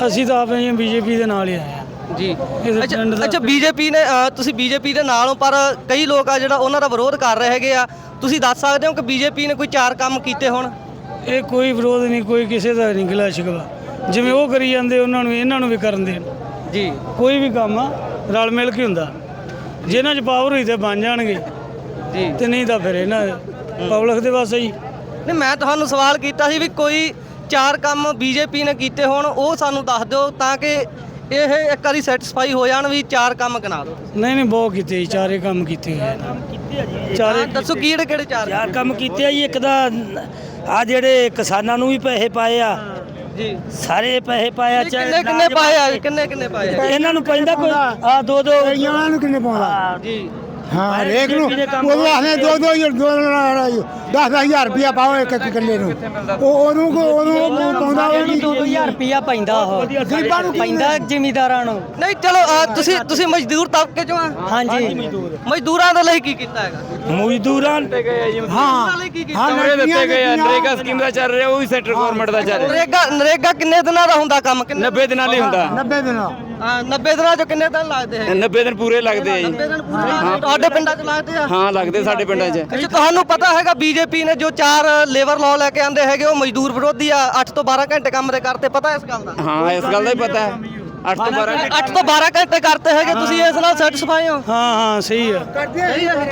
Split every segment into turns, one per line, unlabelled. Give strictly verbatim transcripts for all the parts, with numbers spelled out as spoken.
ਅਸੀਂ ਤਾਂ ਆਪੇ ਬੀਜੇਪੀ ਦੇ ਨਾਲ ਹੀ ਆਏ ਹਾਂ
ਜੀ।
ਇਸ
ਅੱਛਾ
ਪਿੰਡ ਦਾ
ਅੱਛਾ ਬੀਜੇਪੀ ਨੇ ਅ, ਤੁਸੀਂ ਬੀਜੇਪੀ ਦੇ ਨਾਲ ਹੋ, ਪਰ ਕਈ ਲੋਕ ਆ ਜਿਹੜਾ ਉਹਨਾਂ ਦਾ ਵਿਰੋਧ ਕਰ ਰਹੇ ਹੈਗੇ ਆ। ਤੁਸੀਂ ਦੱਸ ਸਕਦੇ ਹੋ ਕਿ ਬੀਜੇਪੀ ਨੇ ਕੋਈ ਚਾਰ ਕੰਮ ਕੀਤੇ ਹੋਣ?
ਇਹ ਕੋਈ ਵਿਰੋਧ ਨਹੀਂ, ਕੋਈ ਕਿਸੇ ਦਾ ਨਹੀਂ ਗਿਲਾ ਸ਼ਿਕਵਾ। ਜਿਵੇਂ ਉਹ ਕਰੀ ਜਾਂਦੇ ਉਹਨਾਂ ਨੂੰ ਇਹਨਾਂ ਨੂੰ ਵੀ ਕਰਨ ਦੇਣ
ਜੀ।
ਕੋਈ ਵੀ ਕੰਮ ਆ ਰਲ ਮਿਲ ਕੇ ਹੁੰਦਾ। ਜਿਨ੍ਹਾਂ 'ਚ ਪਾਵਰ ਹੋਈ ਤੇ ਬਣ ਜਾਣਗੇ
ਜੀ
ਤੇ ਨਹੀਂ ਤਾਂ ਫਿਰ ਇਹਨਾਂ ਪਬਲਿਕ ਦੇ ਵਾਸਤੇ ਹੀ।
ਨਹੀਂ, ਮੈਂ ਤੁਹਾਨੂੰ ਸਵਾਲ ਕੀਤਾ ਸੀ ਵੀ ਕੋਈ ਚਾਰ ਕੰਮ ਬੀਜੇਪੀ ਨੇ ਕੀਤੇ ਹੋਣ, ਉਹ ਸਾਨੂੰ ਦੱਸ ਦਿਓ ਤਾਂ ਕਿ ਇਹ ਇੱਕ ਵਾਰੀ ਸੈਟੀਸਫਾਈ ਹੋ ਜਾਣ ਵੀ ਚਾਰ ਕੰਮ ਗਿਣਾ ਦਿਓ।
ਨਹੀਂ ਨਹੀਂ ਬਹੁਤ ਕੀਤੇ ਜੀ, ਚਾਰੇ ਕੰਮ ਕੀਤੇ ਹੋਏ ਆ। ਚਾਰੇ
ਹਾਂ, ਦੱਸੋ ਕਿਹੜੇ ਕਿਹੜੇ ਚਾਰ?
ਯਾਰ ਕੰਮ ਕੀਤੇ ਆ ਜੀ। ਇੱਕ ਤਾਂ ਆ ਜਿਹੜੇ ਕਿਸਾਨਾਂ ਨੂੰ ਵੀ ਪੈਸੇ ਪਾਏ ਆ,
ਜੀ।
ਸਾਰੇ ਪੈਸੇ ਪਾਏ ਆ।
ਕਿੰਨੇ ਕਿੰਨੇ ਪਾਏ ਆ? ਕਿੰਨੇ ਕਿੰਨੇ ਪਾਏ ਆ?
ਇਹਨਾਂ ਨੂੰ ਪੈਂਦਾ ਕੋਈ ਆ ਦੋ ਦੋ
ਇਹਨਾਂ ਨੂੰ ਕਿੰਨੇ ਪਾਉਂਦਾ?
ਜੀ।
ਹਾਂ ਹਰੇਕ ਨੂੰ ਉਹ ਆਖਦੇ ਦੋ ਦੋ ਹਜ਼ਾਰ ਦੋ ਦਸ ਦਸ ਹਜ਼ਾਰ ਰੁਪਇਆ ਪਾਓ ਇੱਕ ਇੱਕ ਕਿੱਲੇ ਨੂੰ। ਉਹ ਉਹਨੂੰ ਉਹਨੂੰ ਪਾਉਂਦਾ ਉਹ ਨਹੀਂ।
ਦੋ ਹਜ਼ਾਰ ਰੁਪਇਆ ਪੈਂਦਾ ਉਹ
ਗਰੀਬਾਂ ਨੂੰ
ਪੈਂਦਾ ਜ਼ਿਮੀਦਾਰਾਂ ਨੂੰ।
ਨਹੀਂ ਚਲੋ ਅ, ਤੁਸੀਂ ਤੁਸੀਂ ਮਜ਼ਦੂਰ ਤਬਕੇ ਚੋਂ ਆ?
ਹਾਂਜੀ
ਮਜ਼ਦੂਰਾਂ ਦੇ ਲਈ ਕੀ ਕੀਤਾ ਹੈਗਾ?
ਮਜ਼ਦੂਰਾਂ
ਹਾਂ
ਮਜ਼ਦੂਰਾਂ ਲਈ ਕੀ ਕੀਤਾ?
ਹਾਂ ਦਿੱਤੇ ਗਏ ਆ।
ਨਰੇਗਾ ਸਕੀਮ ਦਾ ਚੱਲ ਰਿਹਾ, ਉਹ ਵੀ ਸੈਂਟਰ ਗਵਰਨਮੈਂਟ ਦਾ ਚੱਲ ਰਿਹਾ।
ਨਰੇਗਾ ਨਰੇਗਾ ਕਿੰਨੇ ਦਿਨਾਂ ਦਾ ਹੁੰਦਾ ਕੰਮ? ਕਿੰਨੇ?
ਨੱਬੇ ਦਿਨਾਂ ਲਈ ਹੁੰਦਾ।
ਨੱਬੇ ਦਿਨ
ਹਾਂ, ਨੱਬੇ ਦਿਨਾਂ ਚੋਂ ਕਿੰਨੇ ਦਿਨ ਲੱਗਦੇ ਹੈ?
ਨੱਬੇ ਦਿਨ ਪੂਰੇ ਲੱਗਦੇ ਆ ਜੀ।
ਨੱਬੇ ਦਿਨ ਪੂਰੇ ਤੁਹਾਡੇ ਪਿੰਡਾਂ 'ਚ ਲੱਗਦੇ ਆ?
ਹਾਂ ਲੱਗਦੇ ਸਾਡੇ ਪਿੰਡਾਂ 'ਚ।
ਅੱਛਾ, ਤੁਹਾਨੂੰ ਪਤਾ ਹੈਗਾ ਬੀਜੇਪੀ ਨੇ ਜੋ ਚਾਰ ਲੇਬਰ ਲਾਅ ਲੈ ਕੇ ਆਂਦੇ ਹੈਗੇ ਉਹ ਮਜ਼ਦੂਰ ਵਿਰੋਧੀ ਆ। ਅੱਠ ਤੋਂ ਬਾਰਾਂ ਘੰਟੇ ਕੰਮ ਦੇ ਕਰਤੇ, ਪਤਾ ਇਸ ਗੱਲ ਦਾ?
ਹਾਂ ਇਸ ਗੱਲ ਦਾ ਹੀ ਪਤਾ ਹੈ। ਅੱਠ ਤੋਂ ਬਾਰਾਂ
ਅੱਠ ਤੋਂ ਬਾਰਾਂ ਘੰਟੇ ਕਰਤੇ ਹੈਗੇ, ਤੁਸੀਂ ਇਸ ਨਾਲ ਸੈਟੀਸਫਾਈ ਹੋ?
ਹਾਂ ਹਾਂ ਸਹੀ ਆ।
ਸਹੀ ਹੈ।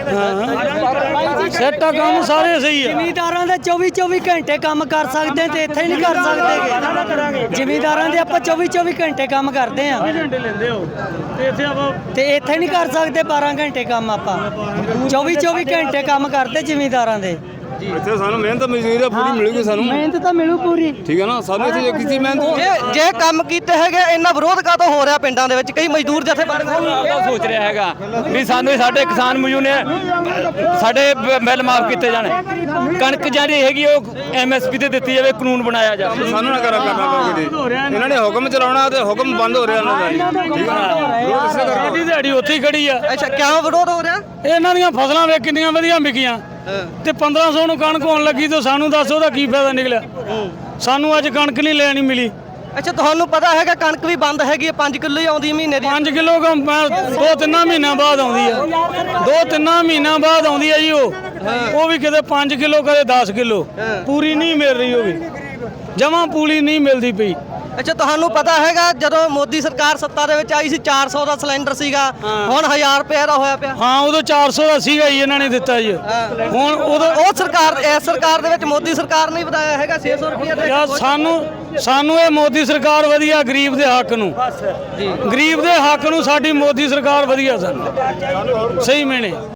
ਹਾਂ ਸੈੱਟ ਆ ਕੰਮ ਸਾਰੇ ਸਹੀ ਆ।
ਜ਼ਿਮੀਦਾਰਾਂ ਦੇ ਚੌਵੀ ਚੌਵੀ ਘੰਟੇ ਕੰਮ ਕਰ ਸਕਦੇ ਤੇ ਇੱਥੇ ਨਹੀਂ ਕਰ ਸਕਦੇ। ਜ਼ਿਮੀਦਾਰਾਂ ਦੇ ਆਪਾਂ ਚੌਵੀ ਚੌਵੀ ਘੰਟੇ ਕੰਮ ਕਰਦੇ ਆ
ਘੰਟੇ ਲੈਂਦੇ ਹੋ ਤੇ ਇੱਥੇ ਆਪਾਂ
ਤੇ ਇੱਥੇ ਨਹੀਂ ਕਰ ਸਕਦੇ ਬਾਰਾਂ ਘੰਟੇ ਕੰਮ ਆਪਾਂ। ਚੌਵੀ ਚੌਵੀ ਘੰਟੇ ਕੰਮ ਕਰਦੇ ਜ਼ਿਮੀਦਾਰਾਂ ਦੇ।
ਇੱਥੇ ਸਾਨੂੰ ਮਿਹਨਤ ਮਜ਼ਦੂਰੀ ਪੂਰੀ ਮਿਲੂਗੀ ਸਾਨੂੰ।
ਮਿਹਨਤ ਤਾਂ ਮਿਲੂ ਪੂਰੀ।
ਠੀਕ ਹੈ ਨਾ, ਸਾਨੂੰ ਇੱਥੇ ਕਿਸੇ ਮਿਹਨਤ
ਜੇ ਜੇ ਕੰਮ ਕੀਤੇ ਹੈਗੇ, ਇੰਨਾ ਵਿਰੋਧ ਕਾਹਤੋਂ ਹੋ ਰਿਹਾ ਪਿੰਡਾਂ ਦੇ ਵਿੱਚ? ਕਈ ਮਜ਼ਦੂਰ ਜਥੇਬੰਦੀਆਂ
ਦਾ ਸੋਚ ਰਿਹਾ ਹੈਗਾ ਵੀ ਸਾਨੂੰ ਸਾਡੇ ਕਿਸਾਨ ਮਜ਼ਦੂਰ ਨੇ ਸਾਡੇ ਬਿੱਲ ਮਾਫ ਕੀਤੇ ਜਾਣ। ਕਣਕ ਜਿਹੜੀ ਹੈਗੀ ਉਹ ਐਮ ਐਸ ਪੀ ਤੇ ਦਿੱਤੀ ਜਾਵੇ, ਕਾਨੂੰਨ ਬਣਾਇਆ ਜਾਵੇ। ਸਾਨੂੰ ਨਾ ਕਰਾ ਕਰਨਾ ਪਵੇ। ਇਹਨਾਂ ਨੇ ਹੁਕਮ ਚਲਾਉਣਾ ਤੇ ਹੁਕਮ ਬੰਦ ਹੋ ਰਿਹਾ ਇਹਨਾਂ ਦਾ। ਠੀਕ ਹੈ ਨਾ,
ਸਾਡੀ ਦਿਹਾੜੀ ਉੱਥੇ ਹੀ ਖੜੀ ਆ।
ਅੱਛਾ, ਕਿਉਂ ਵਿਰੋਧ ਹੋ ਰਿਹਾ?
ਇਹਨਾਂ ਦੀਆਂ ਫਸਲਾਂ ਵੇ ਕਿੰਨੀਆਂ ਵਧੀਆ ਵਿਕੀਆਂ ਤੇ ਪੰਦਰਾਂ ਸੌ ਨੂੰ ਕਣਕ ਹੋਣ ਲੱਗੀ ਤੇ ਸਾਨੂੰ ਦੱਸ ਉਹਦਾ ਕੀ ਫਾਇਦਾ ਨਿਕਲਿਆ? ਸਾਨੂੰ ਅੱਜ ਕਣਕ ਨਹੀਂ ਲੈਣੀ ਮਿਲੀ।
ਅੱਛਾ, ਤੁਹਾਨੂੰ ਪਤਾ ਹੈਗਾ ਕਣਕ ਵੀ ਬੰਦ ਹੈਗੀ ਹੈ, ਪੰਜ ਕਿਲੋ ਹੀ ਆਉਂਦੀ ਮਹੀਨੇ ਦੀ।
ਪੰਜ ਕਿਲੋ ਦੋ ਤਿੰਨਾਂ ਮਹੀਨਿਆਂ ਬਾਅਦ ਆਉਂਦੀ ਆ। ਦੋ ਤਿੰਨਾਂ ਮਹੀਨਿਆਂ ਬਾਅਦ ਆਉਂਦੀ ਆ ਜੀ ਉਹ ਉਹ ਵੀ ਕਿਤੇ ਪੰਜ ਕਿਲੋ ਕਦੇ ਦਸ ਕਿਲੋ। ਪੂਰੀ ਨਹੀਂ ਮਿਲ ਰਹੀ, ਉਹ ਵੀ ਜਮਾਂ ਪੂਰੀ ਨਹੀਂ ਮਿਲਦੀ ਪਈ।
ਅੱਛਾ, ਤੁਹਾਨੂੰ ਪਤਾ ਹੈਗਾ ਜਦੋਂ ਮੋਦੀ ਸਰਕਾਰ ਸੱਤਾ ਦੇ ਵਿੱਚ ਆਈ ਸੀ ਚਾਰ ਸੌ ਦਾ ਸਿਲੰਡਰ ਸੀਗਾ, ਹੁਣ ਹਜ਼ਾਰ ਰੁਪਏ ਦਾ ਹੋਇਆ ਪਿਆ।
ਹਾਂ ਉਦੋਂ ਚਾਰ ਸੌ ਦਾ ਸੀਗਾ ਜੀ, ਇਹਨਾਂ ਨੇ ਦਿੱਤਾ ਜੀ। ਹੁਣ ਉਦੋਂ
ਉਹ ਸਰਕਾਰ ਇਸ ਸਰਕਾਰ ਦੇ ਵਿੱਚ ਮੋਦੀ ਸਰਕਾਰ ਨੇ ਵਧਾਇਆ ਹੈਗਾ ਛੇ ਸੌ ਰੁਪਏ ਦੇ।
ਯਾਰ ਸਾਨੂੰ ਸਾਨੂੰ ਇਹ ਮੋਦੀ ਸਰਕਾਰ ਵਧੀਆ, ਗਰੀਬ ਦੇ ਹੱਕ ਨੂੰ ਗਰੀਬ ਦੇ ਹੱਕ ਨੂੰ ਸਾਡੀ ਮੋਦੀ ਸਰਕਾਰ ਵਧੀਆ ਸਾਨੂੰ ਸਹੀ ਮੈਨੇ।